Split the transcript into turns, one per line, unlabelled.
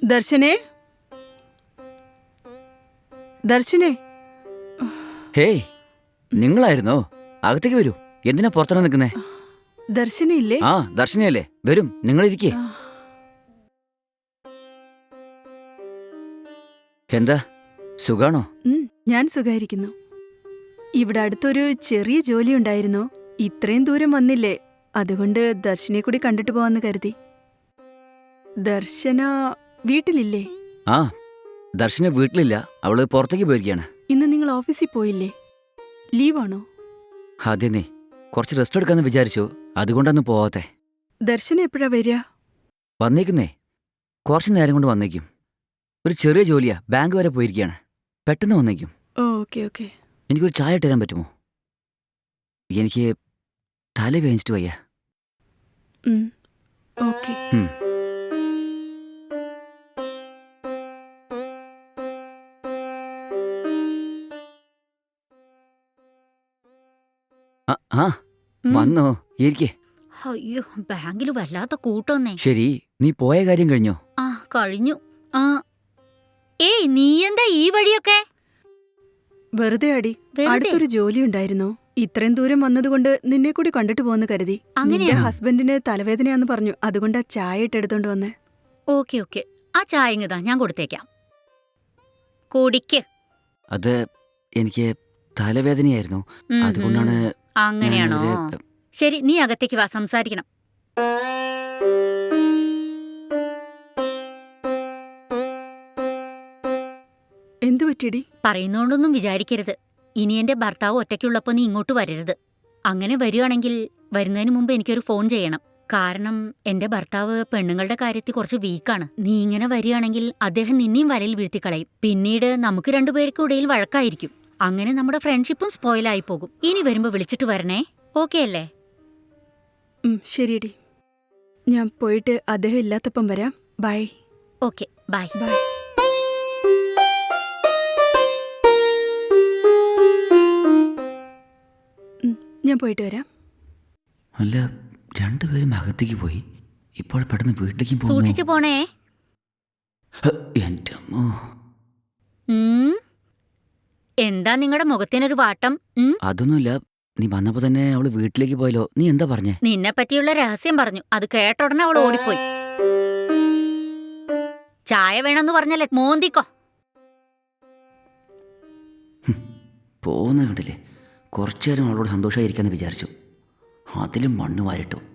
ദർശനേ, ദർശനേ.
Hey, നിങ്ങളായിരുന്നോ? അകത്തേക്ക് വരൂ. എന്തിനാ പുറത്താണ് നിൽക്കുന്നേ?
ദർശനയില്ലേ?
ആ, ദർശനയല്ലേ, വരും, നിങ്ങളിരിക്കേ. എന്താ, സുഖാണോ?
ഞാൻ സുഖായിരിക്കുന്നു. ഇവിടെ അടുത്തൊരു ചെറിയ ജോലി ഉണ്ടായിരുന്നു. ഇത്രയും ദൂരം വന്നില്ലേ, അതുകൊണ്ട് ദർശനെ കൂടി കണ്ടിട്ട് പോവാന്ന് കരുതി. ദർശന വീട്ടിലില്ലേ?
ആ, ദർശന വീട്ടിലില്ല, അവള് പുറത്തേക്ക് പോയിരിക്കുകയാണ്.
ഇന്ന് നിങ്ങൾ ഓഫീസിൽ പോയില്ലേ? ലീവാണോ?
അതെന്നേ, കുറച്ച് റെസ്റ്റ് എടുക്കാന്ന് വിചാരിച്ചു, അതുകൊണ്ടൊന്ന് പോവാത്തെ.
ദർശന എപ്പോഴാ വരിക?
വന്നേക്കുന്നേ, കുറച്ച് നേരം കൊണ്ട് വന്നേക്കും. ഒരു ചെറിയ ജോലിയാ, ബാങ്ക് വരെ പോയിരിക്കുകയാണ്. പെട്ടെന്ന് വന്നേക്കും.
Okay okay.
എനിക്കൊരു ചായ ഇട്ട് തരാൻ പറ്റുമോ? എനിക്ക് തല വേദനിച്ചിട്ട് വയ്യ.
ഓക്കെ.
ആ, വന്നോ? ഇരിക്കേ.
അയ്യോ, ബാങ്കില് വല്ലാത്ത കൂട്ടോന്നേ.
ശരി, നീ പോയ കാര്യം കഴിഞ്ഞോ?
ആ, കഴിഞ്ഞു. ആ, ഏയ്, നീ എന്താ ഈ വഴിയൊക്കെ?
വെറുതെ അടി. അടുത്തൊരു ജോലി ഉണ്ടായിരുന്നു. ഇത്രയും ദൂരം വന്നതുകൊണ്ട് നിന്നെ കൂടി കണ്ടിട്ട് പോന്ന് കരുതി. നിന്റെ ഹസ്ബൻഡിന് തലവേദനയാന്ന് പറഞ്ഞു, അതുകൊണ്ട് ആ ചായ ഇട്ടെടുത്തോണ്ട് വന്നേ.
ഓക്കെ ഓക്കെ, ആ ചായ ഇങ്ങതാ, ഞാൻ കൊടുത്തേക്കാം. കുടിക്ക്.
അത് എനിക്ക് തലവേദനയായിരുന്നു, അതുകൊണ്ടാണ്.
അങ്ങനെയാണോ? ശരി, നീ അകത്തേക്ക് വാ, സംസാരിക്കണം.
എന്തു പറ്റിയടി?
പറയുന്നോണ്ടൊന്നും വിചാരിക്കരുത്. ഇനി എന്റെ ഭർത്താവ് ഒറ്റയ്ക്കുള്ളപ്പോ നീ ഇങ്ങോട്ട് വരരുത്. അങ്ങനെ വരികയാണെങ്കിൽ വരുന്നതിന് മുമ്പ് എനിക്കൊരു ഫോൺ ചെയ്യണം. കാരണം എന്റെ ഭർത്താവ് പെണ്ണുങ്ങളുടെ കാര്യത്തിൽ കുറച്ച് വീക്കാണ്. നീ ഇങ്ങനെ വരികയാണെങ്കിൽ അദ്ദേഹം നിന്നെയും വലയിൽ വീഴ്ത്തിക്കളയും. പിന്നീട് നമുക്ക് രണ്ടുപേർക്കും ഇടയിൽ വഴക്കായിരിക്കും. അങ്ങനെ നമ്മുടെ ഫ്രണ്ട്ഷിപ്പും സ്പോയിലായി പോകും. ഇനി വരുമ്പോ വിളിച്ചിട്ട് വരണേ, ഓക്കെ അല്ലേ?
ശരിയടി, ഞാൻ പോയിട്ട് അദ്ദേഹം ഇല്ലാത്തപ്പം വരാം. ബൈ.
Okay, bye.
ബൈ. ഞാൻ പോയിട്ട് വരാം.
അല്ല, രണ്ടുപേരും അകത്തേക്ക് പോയി, ഇപ്പോൾ പെട്ടെന്ന് വീട്ടിലേക്ക്
സൂക്ഷിച്ചു പോണേ.
എന്റെ അമ്മോ.
എന്താ നിങ്ങളുടെ മുഖത്തിനൊരു വാട്ടം?
അതൊന്നുമില്ല, നീ വന്നപ്പോ തന്നെ അവള് വീട്ടിലേക്ക് പോയല്ലോ. നീ എന്താ പറഞ്ഞേ?
നിന്നെ പറ്റിയുള്ള രഹസ്യം പറഞ്ഞു. അത് കേട്ട ഉടനെ അവൾ ഓടിപ്പോയി. ചായ വേണമെന്ന് പറഞ്ഞല്ലേ, മോന്തിക്കോ.
പോകുന്ന കണ്ടില്ലേ, കുറച്ചു നേരം അവളോട് സന്തോഷമായിരിക്കാന്ന് വിചാരിച്ചു, അതിലും മണ്ണ് വാരിട്ടു.